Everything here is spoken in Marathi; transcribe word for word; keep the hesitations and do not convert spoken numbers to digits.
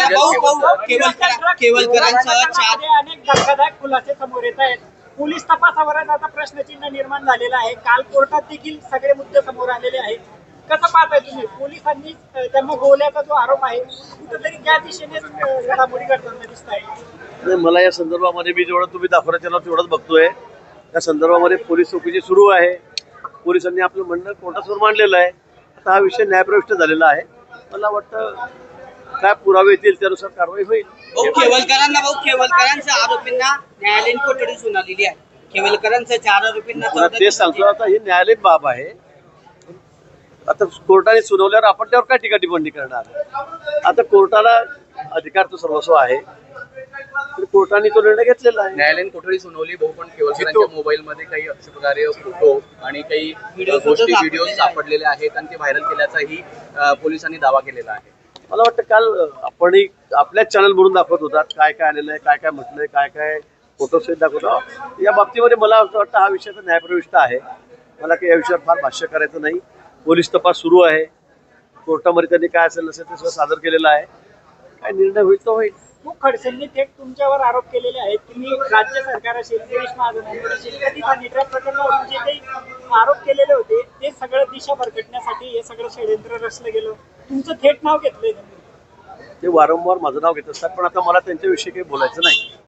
केवलकरांसह चार अनेक धक्कादायक खुलासे समोर येत आहेत. पोलीस तपासावरच आता प्रश्नचिन्ह निर्माण झालेलं आहे. काल कोर्टात देखील सगळे मुद्दे समोर आलेले आहेत. कसं पाहताय तुम्ही? पोलिसांनी त्यांना गोवल्याचा जो आरोप आहे कुठेतरी त्या दिशेने घडामोडी घडताना दिसत आहे. मला या संदर्भामध्ये मी जेवढं तुम्ही दाखवण्याच्या नाव तेवढंच बघतोय. त्या संदर्भामध्ये पोलीस चौकशी सुरू आहे. पोलिसांनी आपलं म्हणणं कोर्टासमोर मांडलेलं आहे. आता हा विषय न्यायप्रविष्ट झालेला आहे. मला वाटतं काय पुरावे येतील त्यानुसार कारवाई होईल. केवलकरांना भाऊ केवलकरांच्या आरोपींना न्यायालयीन कोठडी सुनावलेली आहे. केवलकरांच्या चार आरोपींना तेच सांगतो. आता ही न्यायालयीन बाब आहे. आता कोर्टाने सुनावल्यावर आपण त्यावर काय टीका टिप्पणी करणार? आता कोर्टाला अधिकार तो सर्वस्व आहे. तर कोर्टाने तो निर्णय घेतलेला आहे. न्यायालयीन कोठडी सुनावली भाऊ, पण केवलकरांच्या मोबाईल मध्ये काही अशा प्रकारे फोटो आणि काही गोष्टी व्हिडिओ सापडलेले आहेत आणि ते व्हायरल केल्याचाही पोलिसांनी दावा केलेला आहे. मला वाटतं काल आपणही आपल्याच चॅनल म्हणून दाखवत होतात काय काय आलेलं आहे, काय काय म्हटलंय, काय काय फोटोसहित दाखवतो. या बाबतीमध्ये मला असं वाटतं हा विषय तर न्यायप्रविष्ट आहे. मला काही या विषयावर फार भाष्य करायचं नाही. पोलीस तपास सुरू आहे. कोर्टामध्ये त्यांनी काय असेल नसेल ते सगळं सादर केलेलं आहे. काय निर्णय होईल तो होईल. खूप खडसेंनी थेट तुमच्यावर आरोप केलेले आहेत. तुम्ही राज्य सरकार असेल, गिरीश महाजन असेल, कधी निट्रॅक प्रकरणावरून जे काही आरोप केलेले होते ते सगळं दिशा भरकटण्यासाठी हे सगळं षडयंत्र रचलं गेलं. तुमचं थेट नाव घेतलंय. ते वारंवार माझं नाव घेत असतात, पण आता मला त्यांच्याविषयी काही बोलायचं नाही.